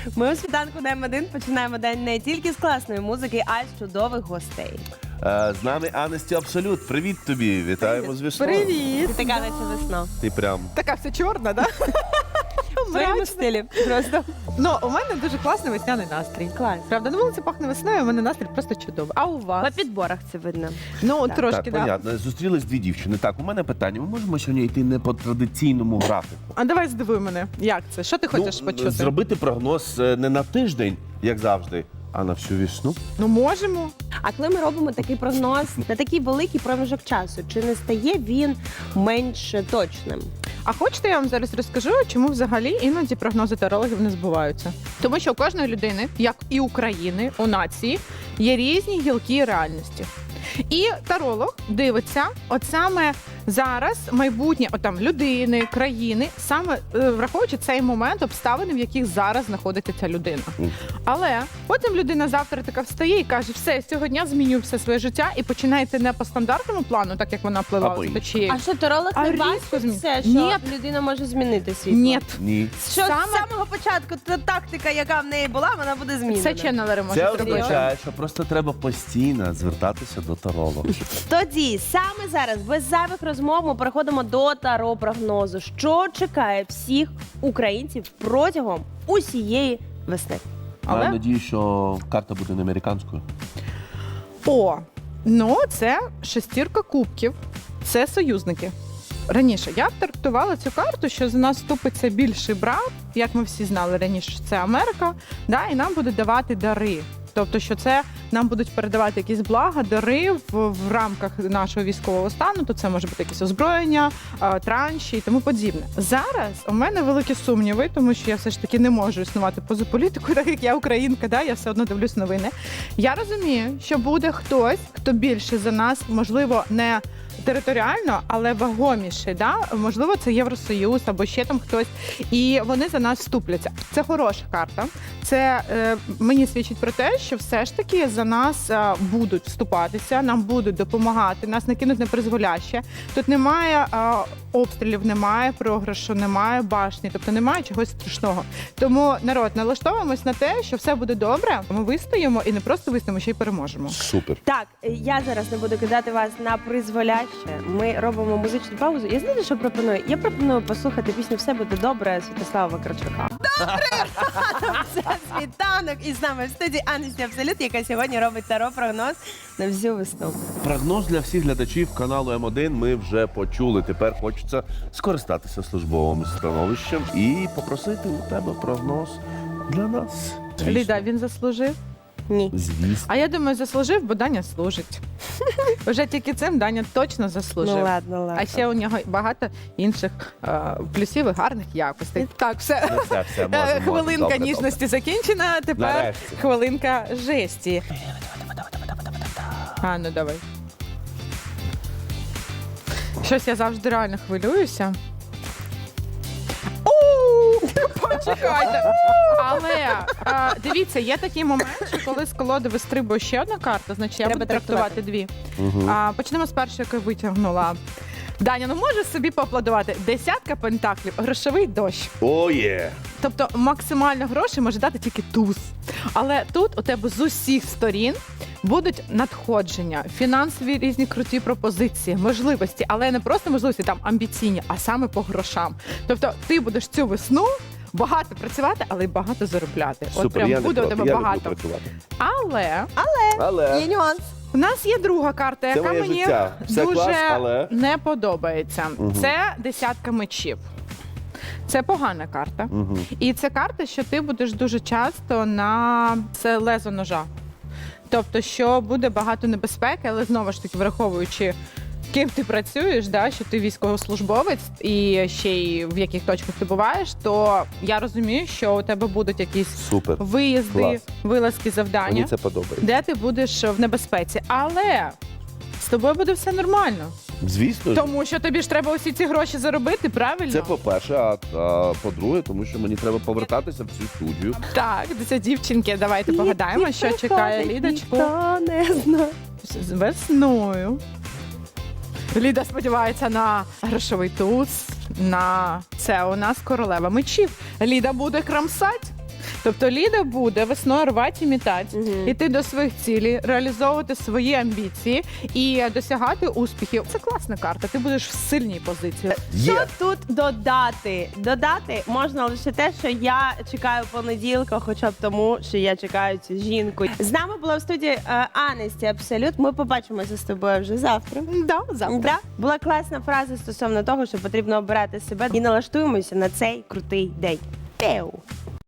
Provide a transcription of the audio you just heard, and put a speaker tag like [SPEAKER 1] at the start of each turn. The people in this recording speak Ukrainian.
[SPEAKER 1] Ми у світанку на М1 починаємо день не тільки з класної музики, а й з чудових гостей.
[SPEAKER 2] З нами Анесті Абсолют. Привіт тобі. Вітаємо з весною.
[SPEAKER 3] Привіт!
[SPEAKER 1] Ти така, наче весна.
[SPEAKER 2] Ти прям.
[SPEAKER 3] Така вся чорна, да?
[SPEAKER 1] В своєму стилі. Просто.
[SPEAKER 3] Ну, у мене дуже класний весняний настрій.
[SPEAKER 1] Клас.
[SPEAKER 3] Правда, на вулиці пахне весною, у мене настрій просто чудовий. А у
[SPEAKER 1] По
[SPEAKER 3] вас?
[SPEAKER 1] підборах це видно.
[SPEAKER 3] Ну,
[SPEAKER 1] Так.
[SPEAKER 3] трошки,
[SPEAKER 2] Так,
[SPEAKER 3] да.
[SPEAKER 2] понятно. Зустрілись дві дівчини. Так, у мене питання. Ми можемо сьогодні йти не по традиційному графіку?
[SPEAKER 3] А давай здивуй мене. Як це? Що ти хочеш почути?
[SPEAKER 2] Зробити прогноз не на тиждень, як завжди, а на всю весну.
[SPEAKER 3] Ну, можемо.
[SPEAKER 1] А коли ми робимо такий прогноз на такий великий проміжок часу, чи не стає він менш точним?
[SPEAKER 3] А хочете, я вам зараз розкажу, чому взагалі іноді прогнози тарологів не збуваються? Тому що у кожної людини, як і України, у нації, є різні гілки реальності. І таролог дивиться, от саме зараз майбутнє людини, країни, саме враховуючи цей момент, обставини, в яких зараз знаходиться ця людина. Але потім людина завтра така встає і каже, все, з цього дня змінюю все своє життя і починає йти не по стандартному плану, так як вона
[SPEAKER 2] А
[SPEAKER 3] плила
[SPEAKER 2] по
[SPEAKER 3] до
[SPEAKER 2] іншому.
[SPEAKER 3] чиєї.
[SPEAKER 1] А що таролог
[SPEAKER 3] А
[SPEAKER 1] не
[SPEAKER 3] різко
[SPEAKER 1] бачить
[SPEAKER 3] змін-
[SPEAKER 1] все, що
[SPEAKER 3] Ні.
[SPEAKER 1] людина може змінити світ?
[SPEAKER 3] Ні.
[SPEAKER 2] Ні.
[SPEAKER 1] Що з
[SPEAKER 3] Саме-
[SPEAKER 1] самого початку та тактика, яка в неї була, вона буде змінена.
[SPEAKER 3] Це ченнелери можуть
[SPEAKER 2] Це
[SPEAKER 3] зробити.
[SPEAKER 2] означає, що просто треба постійно звертатися до таролога.
[SPEAKER 1] Тоді, саме зараз, без зайвих розмов, ми переходимо до таро-прогнозу. Що чекає всіх українців протягом усієї весни?
[SPEAKER 3] Але-
[SPEAKER 2] Маю надію, що карта буде не американською.
[SPEAKER 3] Ну це шестірка кубків, це союзники. Раніше я б трактувала цю карту, що за нас вступиться більший брат, як ми всі знали раніше, що це Америка, да, і нам будуть давати дари. Тобто, що це нам будуть передавати якісь блага, дари в рамках нашого військового стану, то це може бути якесь озброєння, транші і тому подібне. Зараз у мене великі сумніви, тому що я все ж таки не можу існувати поза політикою, так як я українка, да, я все одно дивлюсь новини. Я розумію, що буде хтось, хто більше за нас, можливо, не територіально, але вагоміший, да? Можливо, це Євросоюз або ще там хтось, і вони за нас вступляться. Це хороша карта. Це мені свідчить про те, що все ж таки за нас будуть вступатися, нам будуть допомагати, нас не кинуть непризволяще. Тут немає обстрілів, немає програшу, немає башні, тобто немає чогось страшного. Тому, народ, налаштовуємось на те, що все буде добре, ми вистоїмо і не просто вистоїмо, ще й переможемо.
[SPEAKER 2] Супер.
[SPEAKER 1] Так, я зараз не буду кидати вас на призволяще. Ми робимо музичну паузу. Я знаєте, що пропоную? Я пропоную послухати пісню «Все буде добре» Святослава Вакарчука. Добре! Це світанок. І з нами в студії Анесті Абсолют, яка сьогодні робить таро-прогноз на всю весну.
[SPEAKER 2] Прогноз для всіх глядачів каналу М1 ми вже почули. Тепер хочеться скористатися службовим становищем і попросити у тебе прогноз для нас. Звісно.
[SPEAKER 3] Ліда, він заслужив?
[SPEAKER 1] Ні.
[SPEAKER 2] Звісно.
[SPEAKER 3] А я думаю, заслужив, бо Даня служить. Вже тільки цим Даня точно заслужив.
[SPEAKER 1] Ну ладно, ладно.
[SPEAKER 3] А ще у нього багато інших плюсів і гарних якостей. Так, все.
[SPEAKER 2] Все, можемо.
[SPEAKER 3] Хвилинка
[SPEAKER 2] Добре,
[SPEAKER 3] ніжності закінчена, тепер
[SPEAKER 2] Нарешті.
[SPEAKER 3] хвилинка жесті. А, ну давай. Щось я завжди реально хвилююся. Почекайте. Але дивіться, є такий момент, що коли з колоди вистрибує ще одна карта, значить я
[SPEAKER 1] Треба
[SPEAKER 3] буду трактувати дві. Почнемо з першої, яку я витягнула. Даня, ну можеш собі поаплодувати? 10 пентаклів, грошовий дощ.
[SPEAKER 2] О, є!
[SPEAKER 3] Тобто максимально грошей може дати тільки туз. Але тут у тебе з усіх сторін будуть надходження, фінансові різні круті пропозиції, можливості, але не просто можливості там амбіційні, а саме по грошам. Тобто ти будеш цю весну багато працювати, але й багато заробляти. От
[SPEAKER 2] Супер,
[SPEAKER 3] прям
[SPEAKER 2] я не
[SPEAKER 3] буде у
[SPEAKER 2] проти,
[SPEAKER 3] тебе
[SPEAKER 2] я люблю
[SPEAKER 3] багато.
[SPEAKER 2] працювати.
[SPEAKER 3] Але
[SPEAKER 1] Є нюанс.
[SPEAKER 3] у нас є друга карта,
[SPEAKER 2] Це
[SPEAKER 3] яка
[SPEAKER 2] моє
[SPEAKER 3] мені
[SPEAKER 2] життя. Все
[SPEAKER 3] дуже
[SPEAKER 2] клас, але...
[SPEAKER 3] не подобається.
[SPEAKER 2] Мгм.
[SPEAKER 3] Це 10 мечів. Це погана карта.
[SPEAKER 2] Угу.
[SPEAKER 3] І це карта, що ти будеш дуже часто на це лезо ножа. Тобто, що буде багато небезпеки, але знову ж таки, враховуючи, ким ти працюєш, да, що ти військовослужбовець і ще й в яких точках ти буваєш, то я розумію, що у тебе будуть якісь
[SPEAKER 2] Супер.
[SPEAKER 3] виїзди,
[SPEAKER 2] Клас.
[SPEAKER 3] вилазки, завдання,
[SPEAKER 2] Мені це подобається.
[SPEAKER 3] де ти будеш в небезпеці. Але з тобою буде все нормально.
[SPEAKER 2] Звісно ж.
[SPEAKER 3] Тому що тобі ж треба усі ці гроші заробити, правильно?
[SPEAKER 2] Це по-перше, а по-друге, тому що мені треба повертатися в цю студію.
[SPEAKER 3] Так, це дівчинки, давайте погадаємо, що чекає Лідочку
[SPEAKER 1] Ніхто не знає.
[SPEAKER 3] з весною. Ліда сподівається на грошовий туз, на це у нас королева мечів. Ліда буде крамсать. Тобто Ліда буде весною рвати і мітати, іти до своїх цілей, реалізовувати свої амбіції і досягати успіхів. Це класна карта, ти будеш в сильній позиції.
[SPEAKER 1] Що тут додати? Додати можна лише те, що я чекаю понеділка, хоча б тому, що я чекаю цю жінку. З нами була в студії Анесті Абсолют. Ми побачимося з тобою вже завтра.
[SPEAKER 3] Да, завтра.
[SPEAKER 1] Да? Була класна фраза стосовно того, що потрібно обирати себе і налаштуємося на цей крутий день. Пеу!